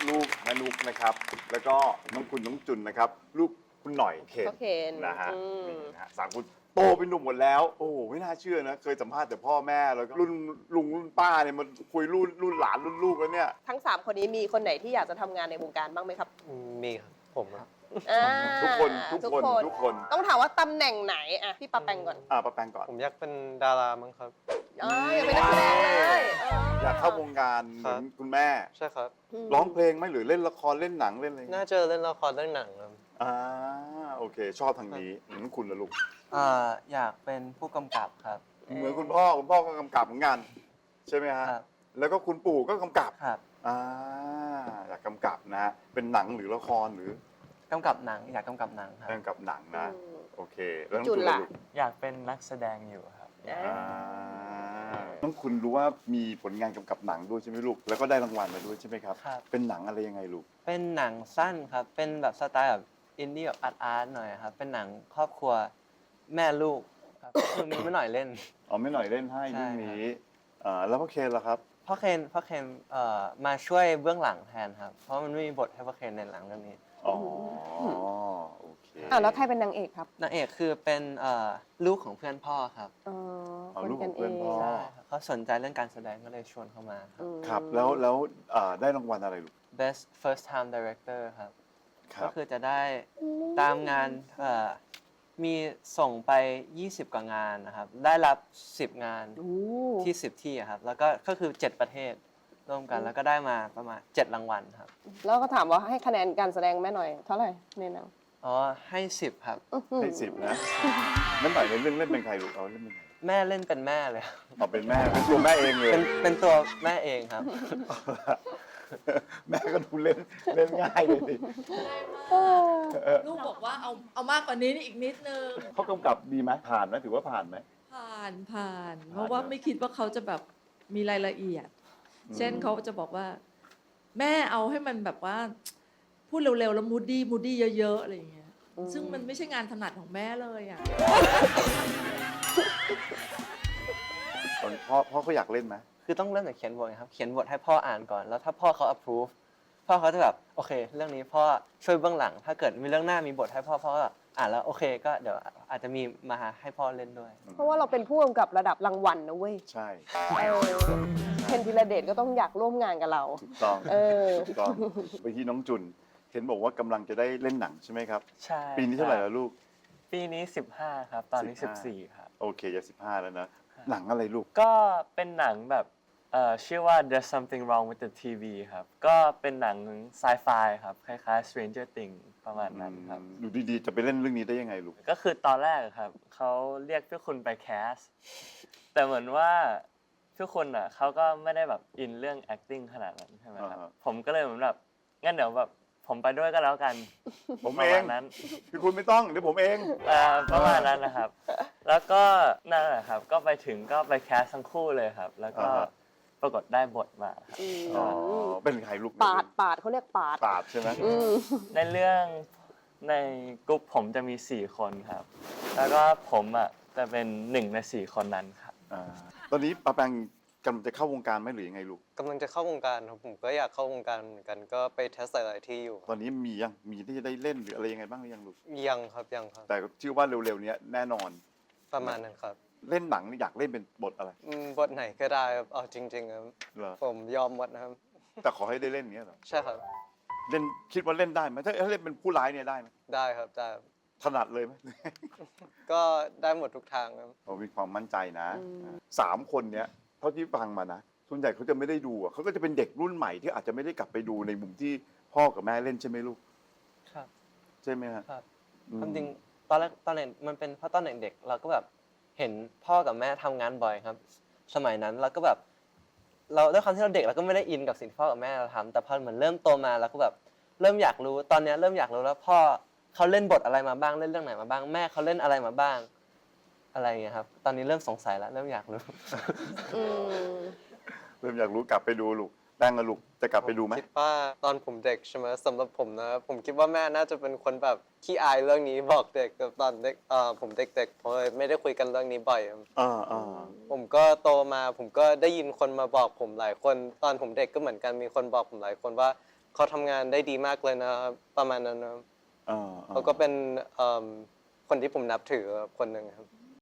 ลูกแม่นุกนะครับ แล้วก็น้องคุณน้องจุนนะครับลูกคุณหน่อยเคนก็เคนนะฮะอืมนี่นะฮะสามคนโตเป็นหนุ่มหมดแล้ว โอ้โหไม่น่าเชื่อนะ เคยสัมภาษณ์แต่พ่อแม่แล้วก็รุ่นลุงรุ่นป้าเนี่ยมันคุยรุ่นหลานรุ่นลูกแล้วเนี่ยทั้ง 3 คนนี้มีคนไหนที่อยากจะทำงานในวงการบ้างไหมครับมีครับผมครับอ่าทุกคนทุกคนต้องถามว่าตำแหน่งไหนอ่ะพี่ปาแปงก่อนป้าแปงก่อนผมอยากเป็นดารามั้งครับอยากเป็นนักแสดงเลยอยากเข้าวงการเหมือนคุณแม่ใช่ครับร้องเพลงไหมหรือเล่นละครเล่นหนังเล่นอะไรน่าจะเล่นละครเล่นหนังครับอ่าโอเค ชอบทางนี้เหมือนคุณละลูกอยากเป็นผู้กำกับครับเหมือนคุณพ่อก็กำกับเหมือนกันใช่ไหมฮะครับแล้วก็คุณปู่ก็กำกับครับอ่าอยากกำกับนะเป็นหนังหรือละครหรือกำกับหนังอยากกำกับหนังครับกำกับหนังนะอืมโอเคแล้วน้องจุจุนนล่ะล่ะลูกอยากเป็นนักแสดงอยู่ครับอ่าน้องคุณรู้ว่ามีผลงานกำกับหนังด้วยใช่ไหมลูกแล้วก็ได้รางวัลมาด้วยใช่ไหมครับครับเป็นหนังอะไรยังไงลูกเป็นหนังสั้นครับ เป็นแบบสไตล์แบบอินดี้แบบอาร์ตหน่อยครับ เป็นหนังครอบครัวแม่ลูกครับ คือมีไม่หน่อยเล่นอ๋อไม่หน่อยเล่นให้ใช่เรื่องนี้แล้วพ่อเคนล่ะครับพ่อเคนมาช่วยเบื้องหลังแทนครับ เพราะมันไม่มีบทให้พ่อเคนในหนังเรื่องนี้อ๋อโอเคแล้วใครเป็นนางเอกครับนางเอกคือเป็นลูกของเพื่อนพ่อครับเอาลูกของเพื่อนพ่อใช่ครับเขาสนใจเรื่องการแสดงก็เลยชวนเข้ามาครับครับแล้วได้รางวัลอะไรลูก Best First Time Director ครับครัก็บคือจะได้ตามงานมีส่งไป 20 กว่างานนะครับ ได้รับ 10 งานที่ 10 ที่อะครับ แล้วก็คือ 7 ประเทศร่วมกัน แล้วก็ได้มาประมาณ 7 รางวัลครับแล้วก็ถามว่าให้คะแนนการแสดงแม่หน่อยเท่าไหร่ในหนังอ๋อ ให้ 10 ครับให้10นะนั่นหน่อยในเรื่องเล่นเป็นใครลูกเอาเล่นเป็นใครแม่เล่นเป็นแม่เลยเอาเป็นแม่เป็นตัวแม่เองเลยเป็นตัวแม่เองครับแม่ก็ดูเล่นง่ายเลยสิลูกบอกว่าเอามากกว่านี้อีกนิดนึงเขากำกับดีไหมผ่านไหมถือว่าผ่านไหมผ่าน เพราะว่าไม่คิดว่าเขาจะแบบมีรายละเอียด เช่นเขาจะบอกว่า แม่เอาให้มันแบบว่า พูดเร็วๆแล้วมูดี้เยอะๆอะไรอย่างเงี้ยซึ่งมันไม่ใช่งานถนัดของแม่เลยอ่ะตอนพ่อเขาอยากเล่นไหมคือต้องเริ่มจากเขียนบทครับ เขียนบทให้พ่ออ่านก่อน แล้วถ้าพ่อเขา approve พ่อเขาจะแบบโอเค เรื่องนี้พ่อช่วยเบื้องหลัง ถ้าเกิดมีเรื่องหน้ามีบทให้พ่อก็อ่านแล้วโอเคก็เดี๋ยวอาจจะมีมาให้พ่อเล่นด้วยเพราะว่าเราเป็นผู้กำกับระดับรางวัลนะเว้ยใช่เคนธีรเดชก็ต้องอยากร่วมงานกับเราถูกต้อง ถูกต้องไปที่น้องจุน เห็นบอกว่ากำลังจะได้เล่นหนังใช่ไหมครับใช่ปีนี้เท่าไหร่แล้วลูกปีนี้ 15 ครับ ตอนนี้ 15 14 ครับโอเคจะ15 แล้วนะ หนังอะไรลูกก็เป็นหนังแบบชื่อว่า There's Something Wrong with the TV ครับ ก็เป็นหนังไซไฟครับ คล้ายๆ Stranger Things ประมาณนั้นครับดูดีๆ จะไปเล่นเรื่องนี้ได้ยังไงลูกก็คือตอนแรกครับเขาเรียกพี่คุณไปแคส แต่เหมือนว่าพี่คุณอ่ะเขาก็ไม่ได้แบบอินเรื่อง acting ขนาดนั้นใช่ไหมครับ ผมก็เลยเหมือนแบบงั้นเดี๋ยวแบบผมไปด้วยก็แล้วกันผมประเอมาง ณนั้นพี่คุณไม่ต้องเดี๋ยวผมเองประมาณนั้นนะครับ แล้วก็นั่นแหละครับ ก็ไปถึงก็ไปแคสทั้งคู่เลยครับ แล้วก็ปรากฏได้บทมาครับอ๋อ เป็นใครลูกปาดเขาเรียกปาดปาดใช่ไหมในเรื่องในกลุ่มผมจะมี 4 คนครับ แล้วก็ผมอ่ะจะเป็น1 ใน 4 คนนั้นครับตอนนี้ปาแปงกำลังจะเข้าวงการไหมหรือยังไงลูกกำลังจะเข้าวงการครับผมก็อยากเข้าวงการเหมือนกัน ก็ไปเทสหลายๆที่อยู่ตอนนี้มีที่จะได้เล่นหรืออะไรยังไงบ้างหรือยังลูกยังครับแต่เชื่อว่าเร็วๆนี้แน่นอนประมาณนั้นครับเล่นหนังอยากเล่นเป็นบทอะไรบทไหนก็ได้ครับเอาจริงๆครับเหรอผมยอมหมดนะครับแต่ขอให้ได้เล่นอย่างเงี้ยเหรอใช่ครับเล่นคิดว่าเล่นได้ไหมถ้าเล่นเป็นผู้ร้ายเนี่ยได้ไหมได้ครับได้ครับถนัดเลยไหมก็ได้หมดทุกทางครับเรามีความมั่นใจนะ3 คนเนี้ยเท่าที่ฟังมานะส่วนใหญ่เขาจะไม่ได้ดูอ่ะเขาก็จะเป็นเด็กรุ่นใหม่ที่อาจจะไม่ได้กลับไปดูในมุมที่พ่อกับแม่เล่นใช่ไหมลูกครับใช่ไหมฮะครับ ความจริงตอนแรกตอนเด็กมันเป็นเพราะตอนเด็กๆเราก็แบบเห็นพ่อกับแม่ทำงานบ่อยครับ สมัยนั้นเราก็แบบเราด้วยความที่เราเด็กเราก็ไม่ได้อินกับสิ่งที่พ่อกับแม่เราทำแต่พอเหมือนเริ่มโตมาเราก็แบบเริ่มอยากรู้ตอนนี้เริ่มอยากรู้แล้วพ่อเขาเล่นบทอะไรมาบ้างเล่นเรื่องไหนมาบ้างแม่เขาเล่นอะไรมาบ้างอะไรอย่างเงี้ยครับตอนนี้เริ่มสงสัยแล้วเริ่มอยากรู้เริ่มอยากรู้กลับไปดูลูกแป้งกับลูกจะกลับไปดูไหมคิดว่าตอนผมเด็กใช่ไหมสำหรับผมนะผมคิดว่าแม่น่าจะเป็นคนแบบขี้อายเรื่องนี้บอกเด็กแบบตอนเด็กผมเด็กๆผมเลยไม่ได้คุยกันเรื่องนี้บ่อยครับ ผมก็โตมาผมก็ได้ยินคนมาบอกผมหลายคน ตอนผมเด็กก็เหมือนกันมีคนบอกผมหลายคนว่าเขาทำงานได้ดีมากเลยนะครับประมาณนั้นนะครับอ่าเขาก็เป็นคนที่ผมนับถือคนหนึ่งครับ